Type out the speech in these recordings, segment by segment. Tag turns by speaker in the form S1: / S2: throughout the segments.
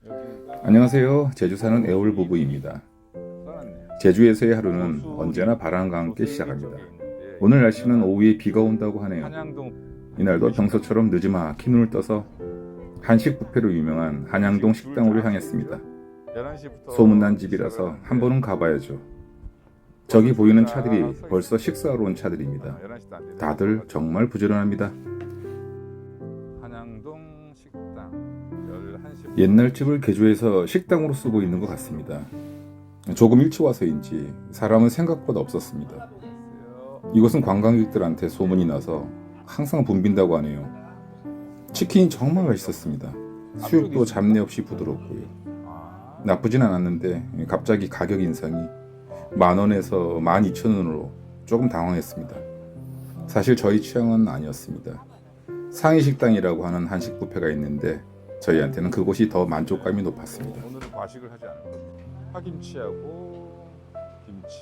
S1: 안녕하세요. 제주 사는 애월 부부입니다. 제주에서의 하루는 언제나 바람과 함께 시작합니다. 오늘 날씨는 오후에 비가 온다고 하네요. 이날도 평소처럼 늦지막히 눈을 떠서 한식 뷔페로 유명한 한양동 식당으로 향했습니다. 소문난 집이라서 한 번은 가봐야죠. 저기 보이는 차들이 벌써 식사하러 온 차들입니다. 다들 정말 부지런합니다.
S2: 한양동 식당 11시.
S1: 옛날 집을 개조해서 식당으로 쓰고 있는 것 같습니다. 조금 일찍 와서인지 사람은 생각보다 없었습니다. 이곳은 관광객들한테 소문이 나서 항상 붐빈다고 하네요. 치킨이 정말 맛있었습니다. 수육도 잡내 없이 부드럽고요. 나쁘진 않았는데 갑자기 가격 인상이 10,000원에서 12,000원으로 조금 당황했습니다. 사실 저희 취향은 아니었습니다. 상위 식당이라고 하는 한식 뷔페가 있는데 저희한테는 그곳이 더 만족감이 높았습니다.
S2: 오늘은 과식을 하지 않을 겁니다. 파김치하고 김치.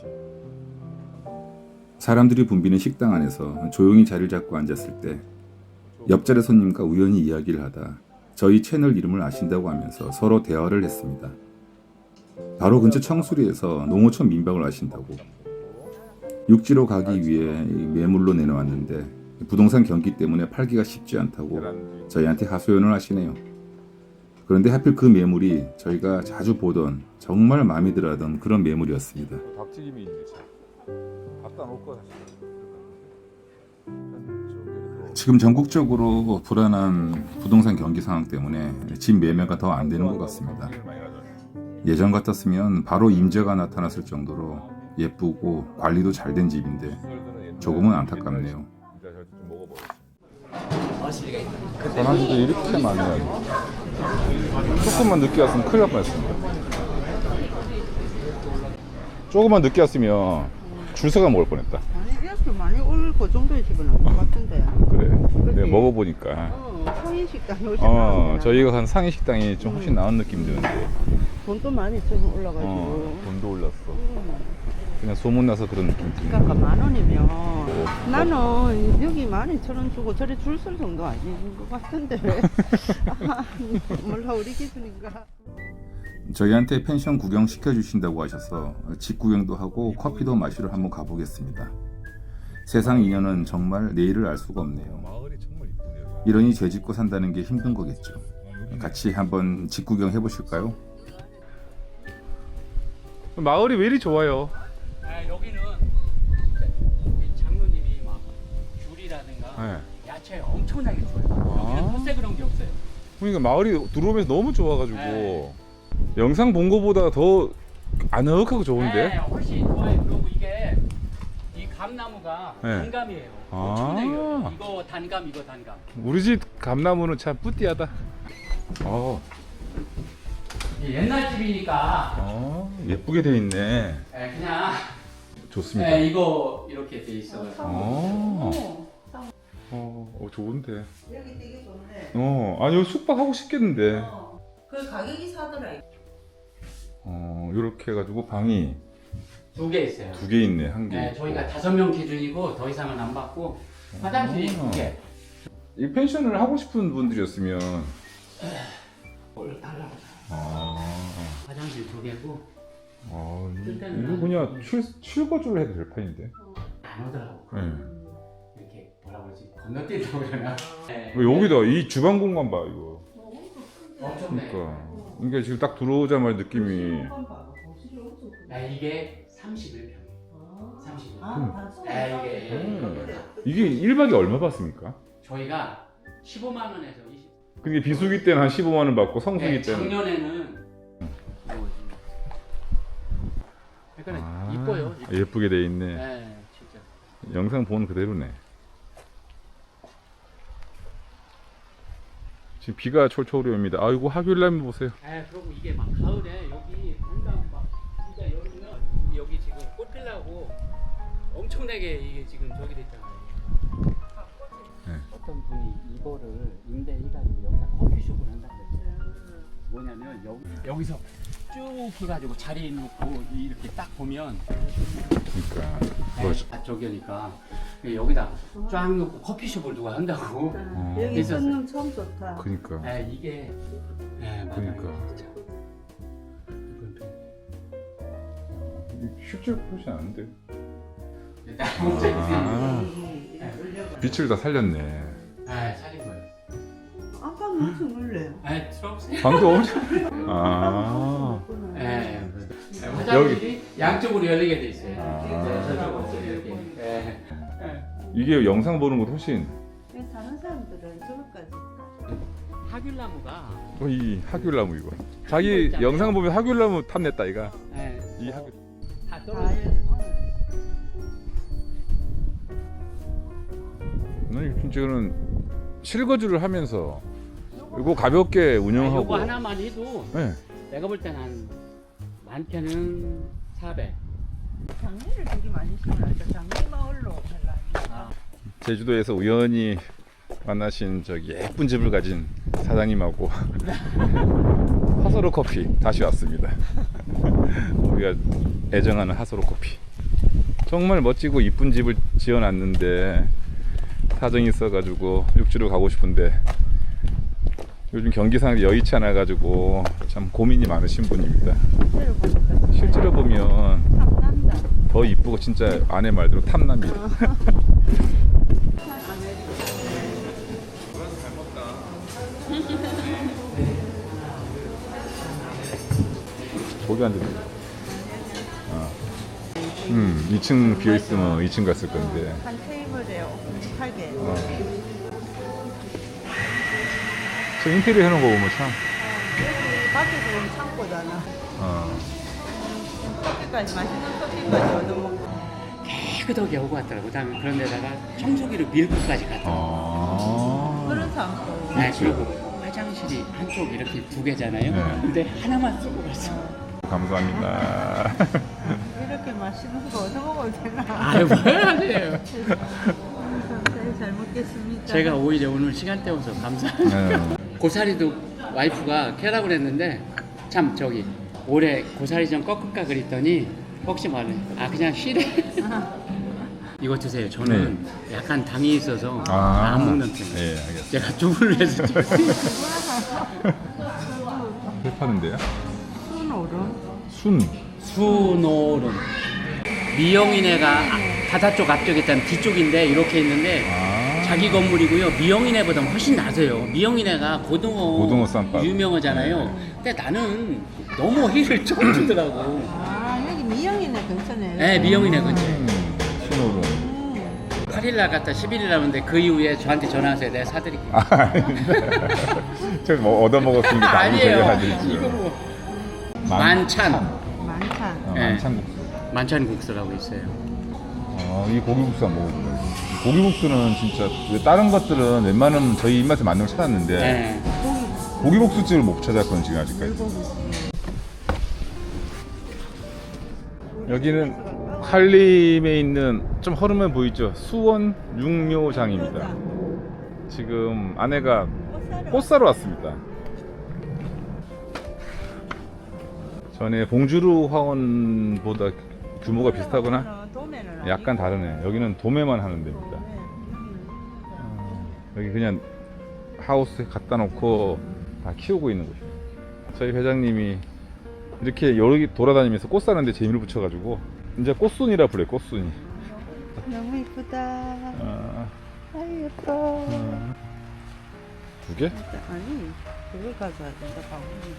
S1: 사람들이 붐비는 식당 안에서 조용히 자리를 잡고 앉았을 때 옆자리 손님과 우연히 이야기를 하다 저희 채널 이름을 아신다고 하면서 서로 대화를 했습니다. 바로 근처 청수리에서 농어촌 민박을 아신다고. 육지로 가기 위해 매물로 내놓았는데 부동산 경기 때문에 팔기가 쉽지 않다고 저희한테 하소연을 하시네요. 그런데 하필 그 매물이 저희가 자주 보던 정말 마음에 들어하던 그런 매물이었습니다.
S2: 닭튀김이 있네. 갖다 놓고 다시.
S1: 지금 전국적으로 불안한 부동산 경기 상황 때문에 집 매매가 더 안 되는 것 같습니다. 예전 같았으면 바로 임자가 나타났을 정도로 예쁘고 관리도 잘 된 집인데 조금은 안타깝네요.
S2: 전화기도 이렇게 많네요. 조금만 늦게 왔으면 큰일 날 뻔했습니다. 조금만 늦게 왔으면 줄 서가 먹을 뻔했다.
S3: 아니 이렇게 많이 올 그 정도의 집은 아닌 것 같은데.
S2: 그래. 내가 먹어보니까.
S3: 상인 식당이 훨씬 나은데.
S2: 저희가 간 상위 식당이 좀 훨씬 나은 느낌 드는데.
S3: 돈도 많이 조금 올라가지고.
S2: 돈도 올랐어. 그냥 소문나서 그런 느낌 드네.
S3: 그러니까 10,000원이면 나는 여기 12,000원 주고 저리 줄 설 정도 아닌 것 같은데 왜? 몰라 우리 기준인가?
S1: 저희한테 펜션 구경 시켜주신다고 하셔서 집 구경도 하고 커피도 마시러 한번 가보겠습니다. 세상 인연은 정말 내일을 알 수가 없네요. 이러니 죄 짓고 산다는 게 힘든 거겠죠. 같이 한번 집 구경 해보실까요?
S2: 마을이 왜 이리 좋아요?
S4: 여기는 장로님이 막 귤이라든가 야채 엄청나게 좋아요. 여기는 텃세 그런 게 없어요.
S2: 그러니까 마을이 들어오면서 너무 좋아가지고 영상 본 거보다 더 아늑하고 좋은데?
S4: 네, 훨씬 좋아요. 그리고 이게 이 감나무가 단감이에요. 엄청나요. 이거 단감, 이거 단감.
S2: 우리 집 감나무는 참 뿌띠하다.
S4: 이게 옛날 집이니까
S2: 예쁘게 돼 있네.
S4: 그냥
S2: 좋습니다.
S4: 이거 이렇게 돼 있어요.
S2: 좋은데.
S3: 여기 되게 좋네.
S2: 아니 여기 숙박하고 싶겠는데.
S3: 그 가격이 사더라.
S2: 이렇게 해가지고 방이
S4: 2개 있어요.
S2: 2개 있네, 1개.
S4: 네, 저희가 5명 기준이고 더 이상은 안 받고 화장실이 2개.
S2: 이 펜션을 하고 싶은 분들이었으면
S4: 화장실 2개고
S2: 이거 그냥 출거주를 해도 될 판인데.
S4: 안 오더라고.
S2: 네.
S4: 이렇게 뭐라 그러지? 건너뛴다고 그러나? 네.
S2: 여기다 이 주방 공간 봐 이거.
S4: 엄청나요.
S2: 그러니까 지금 딱 들어오자마자 느낌이
S4: 이게 31평이에요. 31평.
S2: 이게 1박에 얼마 받습니까?
S4: 저희가 15만 원에서 20.
S2: 근데 비수기 때는 한 15만 원 받고 성수기 때는
S4: 작년에는 그러니까 이뻐요.
S2: 예쁘게 돼 있네.
S4: 네, 진짜.
S2: 영상 본 그대로네. 지금 비가 철철 옵니다. 아이고 하귤라면 보세요.
S4: 그리고 이게 막 가을에 여기 한강 막 진짜 여름이면 여기 지금 꽃 피려고 엄청나게 이게 지금 저기 됐잖아요. 어떤 분이 이거를 임대해가지고 여기다 커피숍을 한다고 그랬어요. 뭐냐면 여기서 쭉 해가지고 자리 놓고 이렇게 딱 보면
S2: 그러니까
S4: 저기니까 여기다 쫙 놓고 커피숍을 누가 한다고.
S3: 여기
S4: 있었어요.
S3: 손님 처음 좋다.
S2: 그러니까
S4: 이게 맞아요.
S2: 그러니까.
S4: 진짜.
S2: 실제로 그러지 않은데.
S4: 아.
S2: 빛을 다 살렸네.
S4: 아, 살인 거예요.
S3: 아까 무슨 원래?
S4: 아, 들어오세요.
S2: 방도 엄청. 아.
S4: 예. 화장실이 양쪽으로 열리게 돼 있어요.
S2: 아.
S4: 저쪽으로 이렇게. 예.
S2: 이게 영상 보는 것도 훨씬.
S3: 다른 사람들은 저거까지.
S4: 하귤나무가
S2: 이 하귤나무 이거. 자기 영상 보면 하귤나무 탐냈다 이가.
S4: 예.
S2: 이 하귤.
S4: 다
S3: 다
S4: 떨어져.
S2: 나는 진짜는 실거주를 하면서 이거 가볍게 운영하고.
S4: 요거 하나만 해도
S2: 네.
S4: 내가 볼 때는 한 많게는 400.
S3: 장미를 되게 많이 심어놨죠. 장미 마을로 갈라.
S2: 제주도에서 우연히 만나신 저기 예쁜 집을 가진 사장님하고 하소로 커피 다시 왔습니다. 우리가 애정하는 하소로 커피. 정말 멋지고 이쁜 집을 지어놨는데 사정이 있어가지고 육지로 가고 싶은데 요즘 경기상 여의치 않아가지고 참 고민이 많으신 분입니다.
S3: 실제로 보니까
S2: 실제로 보면
S3: 탐난다.
S2: 더 이쁘고 진짜 아내 말대로 탐납니다. 거기 앉아. 2층 비어 있으면 2층 갔을 건데.
S3: 한 테이블에 8개.
S2: 저 인테리어 해놓은 거 보면 참.
S3: 여기 밖에서 보면 창고잖아.
S2: 어.
S3: 커피까지 맛있는 커피까지 얻어먹고.
S4: 깨끗하게 오고 왔더라고. 그다음에 그런 데다가 청소기로 밀고까지 갔더라고.
S3: 그런 사람도.
S4: 네, 그리고 화장실이 한쪽 이렇게 두 개잖아요.
S2: 네.
S4: 근데 하나만 쓰고 갔어.
S2: 감사합니다.
S3: 이렇게 맛있는 거 얻어먹어도 되나?
S4: 아유, 뭘 하세요.
S3: 감사히 잘 먹겠습니다.
S4: 제가 오히려 오늘 시간 때워서 감사합니다. 고사리도 와이프가 캐라고 그랬는데 참 저기 올해 고사리 좀 꺾을까 그랬더니 혹시 말해 아 그냥 쉬래. 이거 드세요. 저는 약간 당이 있어서 안 먹는 편이에요.
S2: 예, 알겠습니다.
S4: 제가 두부를 해서
S2: 회 파는데요?
S3: 순오름.
S2: 순.
S4: 수노름 미영이네가 바다 쪽 앞쪽에 있다면 뒤쪽인데 이렇게 있는데 자기 건물이고요. 미영이네보다 훨씬 나세요. 미영이네가 고등어
S2: 쌈밥.
S4: 유명하잖아요. 근데 나는 너무 힐을 좀 주더라고.
S3: 아, 여기 미영이네 근처네.
S4: 네, 미영이네 근처에.
S2: 순으로.
S4: 8일날 갔다 11일 남았는데 그 이후에 저한테 전화하세요. 내가 사드릴게요.
S2: 제가 뭐 얻어먹었으니까 다른
S4: 아니에요.
S2: 저희가
S4: 이거
S2: 해드리죠.
S4: 뭐 만찬.
S3: 만찬.
S4: 네.
S2: 만찬국수.
S4: 만찬국수라고 있어요.
S2: 이 고기국수 한번 먹어볼까요? 이 고기국수는 진짜 왜 다른 것들은 웬만하면 저희 입맛에 맞는 걸 찾았는데
S4: 네.
S2: 고기국수집을 못 찾았거든요 지금 아직까지. 여기는 한림에 있는 좀 허름해 보이죠? 수원 육묘장입니다. 지금 아내가 꽃 사러 왔습니다. 전에 봉주루 화원보다 규모가 비슷하거나
S3: 도매는
S2: 약간 다르네. 여기는 도매만 하는 데입니다. 여기 그냥 하우스에 갖다 놓고 다 키우고 있는 곳이에요. 저희 회장님이 이렇게 여기 돌아다니면서 꽃 사는데 재미를 붙여가지고 이제 꽃순이라 불러요. 꽃순이.
S3: 너무 이쁘다.
S2: 아,
S3: 아이 예뻐.
S2: 두 개?
S3: 아니 그걸 가져야 된다 방금.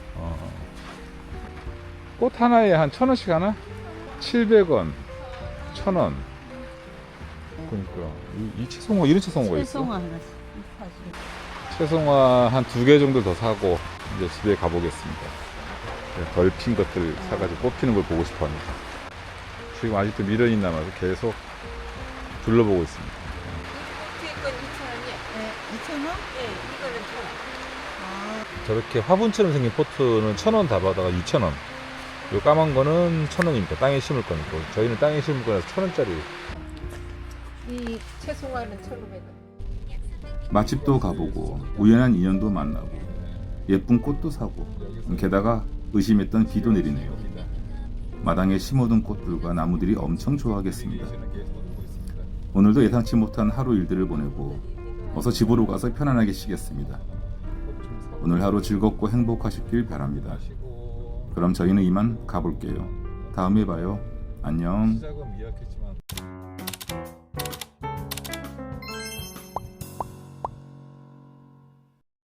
S2: 꽃 하나에 한 1,000원씩 하나? 700원, 1,000원. 그러니까 이 채송화 이런 채송화가 있어?
S3: 채송화 하나씩 사실.
S2: 채송화 한 2개 정도 더 사고 이제 집에 가보겠습니다. 덜 핀 것들 사가지고 꽃 피는 걸 보고 싶어 합니다. 지금 아직도 미련이 남아서 계속 둘러보고 있습니다.
S3: 건 2,000원이요? 네, 2,000원? 네, 이거는 1,000원.
S2: 저렇게 화분처럼 생긴 포트는 1,000원 다 받아가 2,000원. 요 까만 거는 1,000원입니다. 땅에 심을 거니까. 저희는 땅에 심을 거라서 1,000원짜리.
S5: 이 채송화는 1,500원.
S1: 맛집도 가보고 우연한 인연도 만나고 예쁜 꽃도 사고 게다가 의심했던 비도 내리네요. 마당에 심어둔 꽃들과 나무들이 엄청 좋아하겠습니다. 오늘도 예상치 못한 하루 일들을 보내고 어서 집으로 가서 편안하게 쉬겠습니다. 오늘 하루 즐겁고 행복하시길 바랍니다. 그럼 저희는 이만 가볼게요. 다음에 봐요. 안녕.
S2: 시작은 미약했지만